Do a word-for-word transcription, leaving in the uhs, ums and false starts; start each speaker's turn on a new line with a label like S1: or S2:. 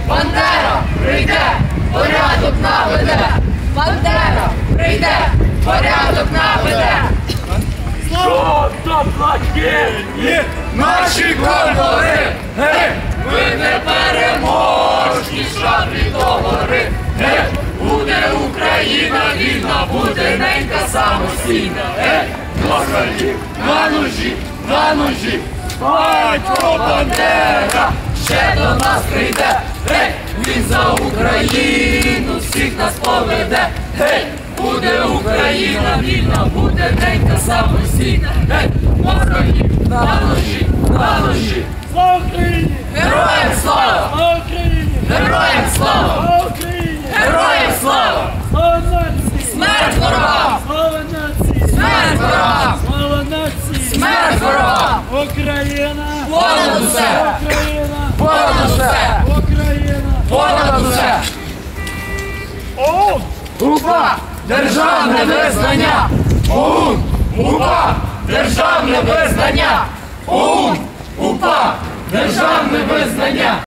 S1: Бандера прийде, порядок наведе. Бандера прийде, порядок наведе.
S2: Жовто-блакитні наші кольори, гей! Ми не переможні, шаблі до гори, гей! Буде Україна вільна, буде ненька самостійна, гей! Москалі на ножі, на ножі, батько Бандера ще до нас прийде, гей! Він за Україну всіх нас поведе, гей! Буде Україна вільна, буде ненька самостійна, гей! Москалі на ножі, на ножі!
S3: Слава Україні!
S2: Героям слава!
S3: Слава Україні!
S2: Героям слава!
S3: Слава Україні!
S2: Героям слава!
S3: Слава нації!
S2: Смерть ворогам!
S3: Слава нації!
S2: Смерть ворогам!
S3: Слава нації!
S2: Смерть ворогам!
S3: Україна!
S2: Понад усе!
S3: Україна!
S2: Понад усе!
S3: Україна!
S2: Понад усе!
S3: ОУН!
S2: УПА! Державне визнання! ОУН! УПА! Державне визнання! ОУН! УПА! Державне визнання!